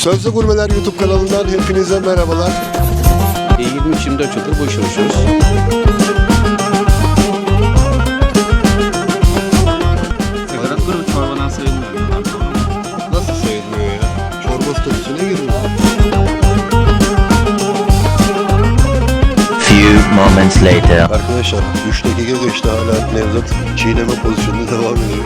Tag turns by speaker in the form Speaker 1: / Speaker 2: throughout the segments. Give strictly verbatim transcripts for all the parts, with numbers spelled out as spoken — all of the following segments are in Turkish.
Speaker 1: Sözlü Gurmeler YouTube kanalından hepinize merhabalar.
Speaker 2: yirmi üç yirmi dört yıldır bu işe uğraşıyoruz.
Speaker 3: Sakarat grubu çorbadan sayılmıyor.
Speaker 1: Nasıl sayılmıyor ya? Çorba statüsüne girmiyor.
Speaker 4: Few moments later.
Speaker 1: Arkadaşlar üç dakika geçti, hala Nevzat çiğneme pozisyonunda devam ediyor.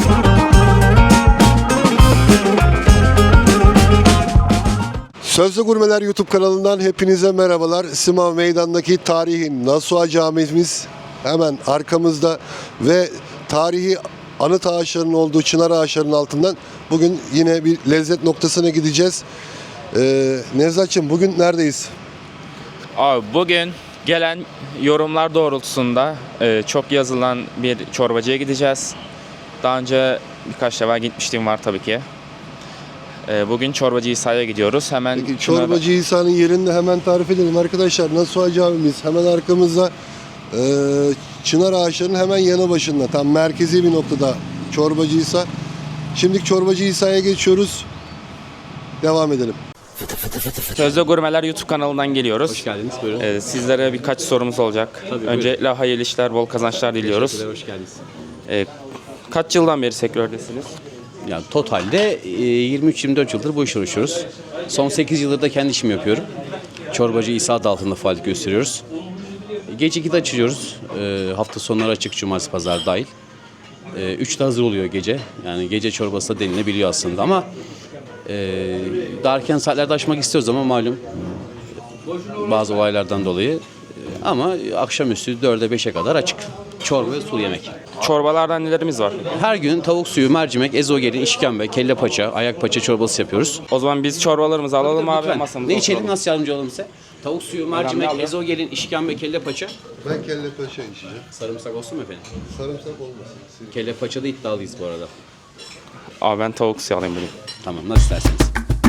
Speaker 1: Sözlü Gurmeler YouTube kanalından hepinize merhabalar. Simav Meydan'daki tarihi Nasuha Camimiz hemen arkamızda ve tarihi anıt ağaçlarının olduğu çınar ağaçlarının altından bugün yine bir lezzet noktasına gideceğiz. Ee, Nevzat'cığım bugün neredeyiz?
Speaker 3: Abi bugün gelen yorumlar doğrultusunda e, çok yazılan bir çorbacıya gideceğiz. Daha önce birkaç defa gitmişliğim var tabii ki. E, bugün Çorbacı İsa'ya gidiyoruz. Hemen
Speaker 1: Peki
Speaker 3: şuna-
Speaker 1: Çorbacı İsa'nın yerini de hemen tarif edelim arkadaşlar. Nasuha Camimiz hemen arkamızda, e, çınar ağaçlarının hemen yanı başında, tam merkezi bir noktada Çorbacı İsa. Şimdi Çorbacı İsa'ya geçiyoruz. Devam edelim.
Speaker 3: Sözlü Gurmeler YouTube kanalından geliyoruz.
Speaker 2: Hoş geldiniz, buyurun.
Speaker 3: E, sizlere birkaç sorumuz olacak.
Speaker 2: Tabii,
Speaker 3: Öncelikle hayırlı işler, bol kazançlar diliyoruz.
Speaker 2: Teşekkürler, hoş geldiniz.
Speaker 3: E, kaç yıldan beri sektördesiniz?
Speaker 2: Yani totalde e, yirmi üç yirmi dört yıldır bu işe uğraşıyoruz. Son sekiz yıldır da kendi işimi yapıyorum. Çorbacı İsa adı altında faaliyet gösteriyoruz. Gece ikide açıyoruz. E, hafta sonları açık, cumartesi, pazar dahil. E, üçte hazır oluyor gece. Yani gece çorbası da denilebiliyor aslında ama e, daha erken saatlerde açmak istiyoruz ama malum bazı olaylardan dolayı. E, ama akşamüstü dörde beşe kadar açık. Çorba ve sulu yemek.
Speaker 3: Çorbalardan nelerimiz var?
Speaker 2: Her gün tavuk suyu, mercimek, ezogelin, işkembe, kelle paça, ayak paça çorbası yapıyoruz.
Speaker 3: O zaman biz çorbalarımızı alalım abi,
Speaker 2: Lütfen.
Speaker 3: masamıza
Speaker 2: Ne içelim,
Speaker 3: oturalım.
Speaker 2: nasıl yardımcı olalım size? Tavuk suyu, mercimek,
Speaker 3: Önemli abi.
Speaker 2: ezogelin, işkembe, kelle paça.
Speaker 1: Ben kelle paça içeceğim.
Speaker 2: Sarımsak olsun mu efendim?
Speaker 1: Sarımsak olmasın.
Speaker 2: Kelle paçada iddialıyız bu arada.
Speaker 3: Abi ben tavuk suyu alayım dedim.
Speaker 2: Tamam, nasıl isterseniz.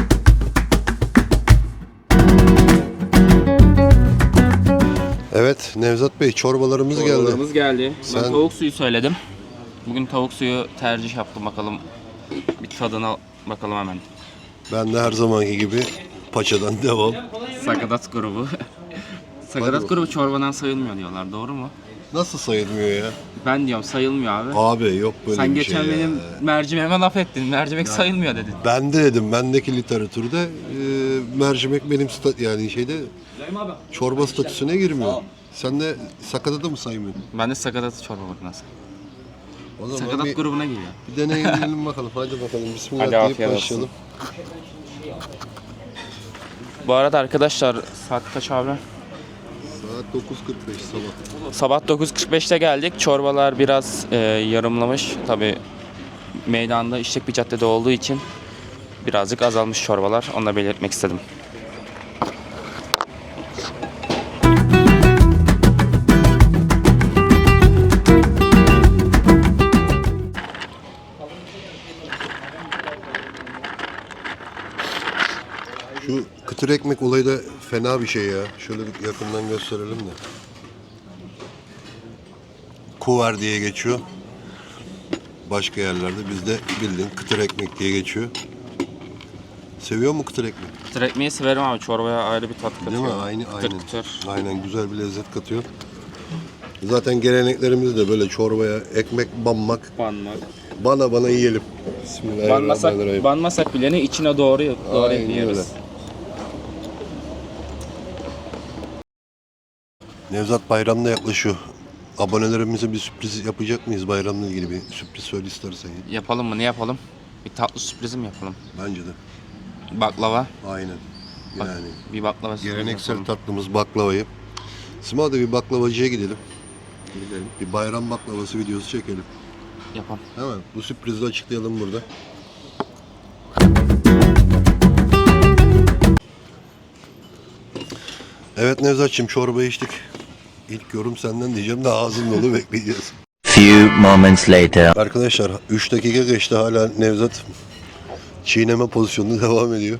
Speaker 1: Evet Nevzat Bey, çorbalarımız geldi.
Speaker 3: Çorbalarımız geldi. Ben
Speaker 1: Sen-
Speaker 3: tavuk suyu söyledim. Bugün tavuk suyu tercih yaptım, bakalım bir tadına bakalım hemen.
Speaker 1: Ben de her zamanki gibi paçadan devam.
Speaker 3: Sakatat grubu. Sakatat grubu çorbadan sayılmıyor diyorlar, doğru mu?
Speaker 1: Nasıl sayılmıyor ya?
Speaker 3: Ben diyorum sayılmıyor abi.
Speaker 1: Abi yok böyle
Speaker 3: Sen
Speaker 1: bir
Speaker 3: geçen
Speaker 1: şey
Speaker 3: benim
Speaker 1: ya.
Speaker 3: mercimeğime laf ettin. Mercimek sayılmıyor dedin.
Speaker 1: Ben de dedim, bendeki literatürde e, mercimek benim sta- yani şeyde çorba statüsüne girmiyor. Sen de sakatı mı saymıyorsun?
Speaker 3: Ben de sakatat çorba makinesi.
Speaker 1: O zaman
Speaker 3: Sakatat
Speaker 1: bir,
Speaker 3: grubuna giriyor.
Speaker 1: bir deneyimleyelim bakalım. Hadi bakalım. Bismillah
Speaker 3: Hadi
Speaker 1: deyip
Speaker 3: afiyet olsun.
Speaker 1: başlayalım.
Speaker 3: Bu arada arkadaşlar saat kaç abi?
Speaker 1: Saat dokuz kırk beş sabah.
Speaker 3: Sabah dokuz kırk beşte geldik. Çorbalar biraz e, yarımlamış. Tabii meydanda işlek bir caddede olduğu için birazcık azalmış çorbalar. Onu da belirtmek istedim.
Speaker 1: Şu kıtır ekmek olayı da fena bir şey ya. Şöyle bir yakından gösterelim de. Kuvar diye geçiyor. Başka yerlerde bizde bildiğin kıtır ekmek diye geçiyor. Seviyor mu kıtır ekmek?
Speaker 3: Kıtır ekmeği severim abi. Çorbaya ayrı bir tat katıyor.
Speaker 1: Değil mi? Aynı,
Speaker 3: Kıtır
Speaker 1: aynen.
Speaker 3: kıtır.
Speaker 1: Aynen, güzel bir lezzet katıyor. Zaten geleneklerimiz de böyle çorbaya ekmek banmak.
Speaker 3: Banmak.
Speaker 1: Bana bana yiyelim.
Speaker 3: Banmasak,
Speaker 1: Bismillahirrahmanirrahim.
Speaker 3: banmasak bile ne içine doğru doğru
Speaker 1: Aynen
Speaker 3: yiyoruz.
Speaker 1: öyle. Nevzat bayramda yaklaşıyor. Abonelerimize bir sürpriz yapacak mıyız bayramla ilgili, bir sürpriz söyle istersen.
Speaker 3: Yapalım mı? Ne yapalım? Bir tatlı sürprizim yapalım.
Speaker 1: Bence de.
Speaker 3: Baklava.
Speaker 1: Aynen.
Speaker 3: Bak,
Speaker 1: Yani
Speaker 3: bir baklava sürpriz
Speaker 1: geleneksel
Speaker 3: yapalım.
Speaker 1: tatlımız baklavayı. Sima'da bir baklavacıya gidelim.
Speaker 3: Gidelim.
Speaker 1: Bir bayram baklavası videosu çekelim.
Speaker 3: Yapalım.
Speaker 1: Hemen bu sürprizi de açıklayalım burada. Evet Nevzat'cığım, çorba içtik. İlk yorum senden diyeceğim de ağzın dolu bekleyeceğiz.
Speaker 4: Few moments later.
Speaker 1: Arkadaşlar üç dakika geçti, hala Nevzat çiğneme pozisyonunda devam ediyor.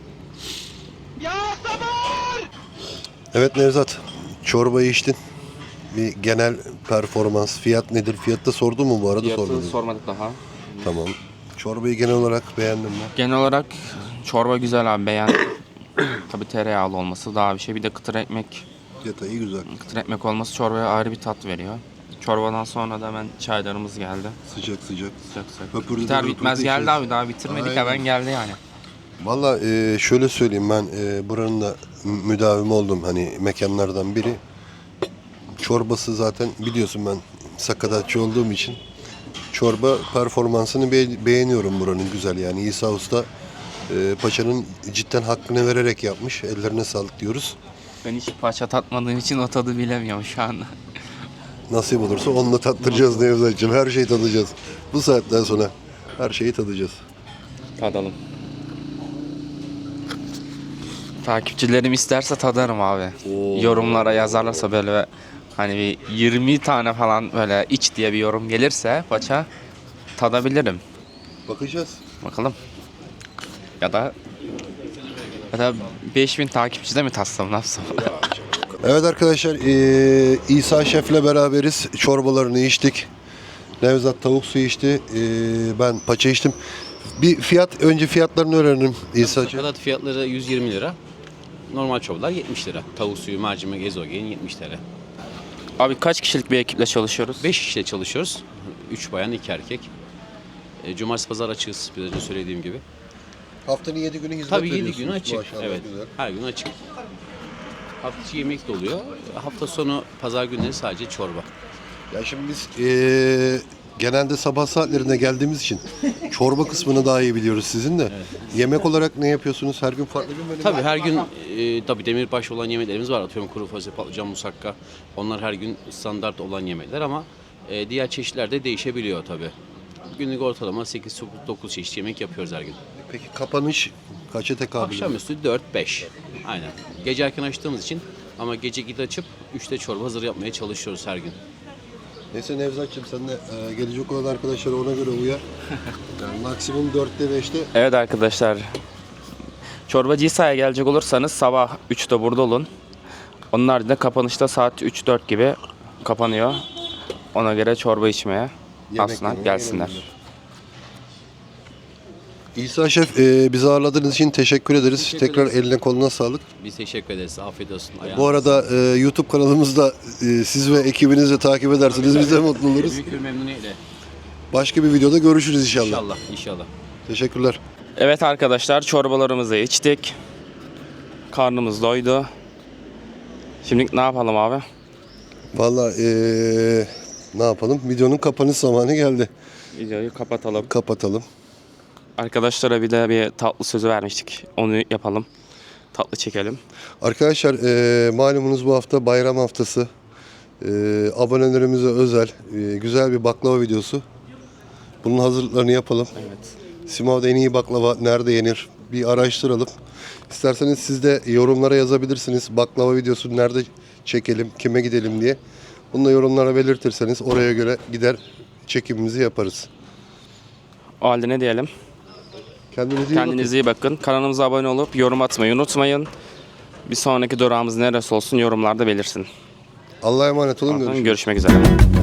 Speaker 1: Evet Nevzat, çorbayı içtin. Bir genel performans, fiyat nedir? Fiyatta sordun mu bu arada?
Speaker 3: Fiyatı
Speaker 1: Sormadın.
Speaker 3: sormadık daha.
Speaker 1: Tamam. Çorbayı genel olarak beğendin mi?
Speaker 3: Genel olarak Çorba güzel abi, beğendim. Tabii tereyağlı olması daha bir şey. Bir de kıtır ekmek,
Speaker 1: Detayı güzel.
Speaker 3: kıtır ekmek olması çorbaya ayrı bir tat veriyor. Çorbadan sonra da hemen çaylarımız geldi.
Speaker 1: Sıcak sıcak.
Speaker 3: Sıcak sıcak.
Speaker 1: Höpürdü
Speaker 3: Biter
Speaker 1: de
Speaker 3: bitmez
Speaker 1: höpürdü
Speaker 3: geldi
Speaker 1: içiyoruz.
Speaker 3: abi, daha bitirmedik
Speaker 1: Aynen.
Speaker 3: hemen geldi yani.
Speaker 1: Valla e, şöyle söyleyeyim, ben e, buranın da mü- müdavimi oldum hani mekanlardan biri. Çorbası zaten biliyorsun, ben sakatatçı olduğum için çorba performansını be- beğeniyorum buranın, güzel yani. İsa Usta e, paçanın cidden hakkını vererek yapmış. Ellerine sağlık diyoruz.
Speaker 3: Ben hiç paça tatmadığım için o tadı bilemiyorum şu anda.
Speaker 1: Nasip olursa onunla tattıracağız Nevzat'cığım. Her şeyi tadacağız. Bu saatten sonra her şeyi tadacağız.
Speaker 3: Tadalım. Takipçilerim isterse tadarım abi. Yorumlara yazarlarsa böyle hani bir yirmi tane falan böyle iç diye bir yorum gelirse paça tadabilirim.
Speaker 1: Bakacağız.
Speaker 3: Bakalım. Ya da ya da beş bin takipçide mi tatsam, ne yapsam?
Speaker 1: Evet arkadaşlar, eee, İsa Şef'le beraberiz. Çorbalarını içtik. Nevzat tavuk suyu içti. Eee, ben paça içtim. Bir fiyat, önce fiyatlarını öğrenelim İsa'cığım.
Speaker 2: Sakatat fiyatları yüz yirmi lira. Normal çorbalar yetmiş lira. Tavuk suyu, mercimek, ezogelin yetmiş lira.
Speaker 3: Abi kaç kişilik bir ekiple çalışıyoruz?
Speaker 2: beş kişiyle çalışıyoruz. üç bayan, iki erkek. E, Cumartesi pazar açığız, biraz önce söylediğim gibi.
Speaker 1: Haftanın yedi günü hizmet
Speaker 2: Tabii yedi
Speaker 1: veriyorsunuz.
Speaker 2: gün açık.
Speaker 1: Maşallah,
Speaker 2: Evet.
Speaker 1: güzel.
Speaker 2: Her gün açık. Hafta içi yemek de oluyor. Hafta sonu pazar günleri sadece çorba.
Speaker 1: Ya şimdi biz eee, genelde sabah saatlerinde geldiğimiz için çorba kısmını daha iyi biliyoruz sizin de. Yemek olarak ne yapıyorsunuz? Her gün farklı bir menü mi?
Speaker 2: Tabii her gün e, tabii demirbaş olan yemeklerimiz var. Atıyorum kuru fasulye, patlıcan, musakka. Onlar her gün standart olan yemekler ama e, diğer çeşitler de değişebiliyor tabii. Günlük ortalama sekiz dokuz çeşit yemek yapıyoruz her gün.
Speaker 1: Peki kapanış kaça tekabül ediyor?
Speaker 2: Akşamüstü dört beş. Aynen. Gece erken açtığımız için ama gece git açıp üçte çorba hazır yapmaya çalışıyoruz her gün.
Speaker 1: Neyse Nevzat'cığım, sen de eee, gelecek olan arkadaşlara ona göre uyar. Yani maksimum dörtte beşte.
Speaker 3: Evet arkadaşlar. Çorbacı İsa'ya gelecek olursanız sabah üçte burada olun. Onun haricinde kapanışta saat üç dört gibi kapanıyor. Ona göre çorba içmeye aslında
Speaker 1: yemeye
Speaker 3: gelsinler.
Speaker 1: gelebilirler. İsa Şef, eee, bizi ağırladığınız için teşekkür ederiz.
Speaker 2: Teşekkür
Speaker 1: Tekrar
Speaker 2: ederiz.
Speaker 1: eline koluna sağlık.
Speaker 2: Biz teşekkür ederiz. Afiyet olsun.
Speaker 1: Bu
Speaker 2: Ayağınıza
Speaker 1: arada eee, YouTube kanalımızda eee, siz ve ekibinizi takip edersiniz. Biz de mutlu oluruz.
Speaker 2: büyük bir memnuniyetle.
Speaker 1: Başka bir videoda görüşürüz inşallah.
Speaker 2: İnşallah, inşallah.
Speaker 1: Teşekkürler.
Speaker 3: Evet arkadaşlar, çorbalarımızı içtik. Karnımız doydu. Şimdi ne yapalım abi?
Speaker 1: Vallahi eee, ne yapalım? Videonun kapanış zamanı geldi.
Speaker 3: Videoyu kapatalım.
Speaker 1: Kapatalım.
Speaker 3: Arkadaşlara bir de bir tatlı sözü vermiştik. Onu yapalım. Tatlı çekelim.
Speaker 1: Arkadaşlar, eee, malumunuz bu hafta bayram haftası. Eee, abonelerimize özel eee, güzel bir baklava videosu. Bunun hazırlıklarını yapalım.
Speaker 3: Evet.
Speaker 1: Simav'da en iyi baklava nerede yenir? Bir araştıralım. İsterseniz siz de yorumlara yazabilirsiniz. Baklava videosu nerede çekelim, kime gidelim diye. Bunu da yorumlara belirtirseniz oraya göre gider çekimimizi yaparız.
Speaker 3: O halde ne diyelim?
Speaker 1: Kendinize iyi bakın.
Speaker 3: Kendinize iyi bakın. Kanalımıza abone olup yorum atmayı unutmayın. Bir sonraki durağımız neresi olsun yorumlarda belirsin.
Speaker 1: Allah'a emanet olun. Görüşürüz.
Speaker 3: Görüşmek üzere.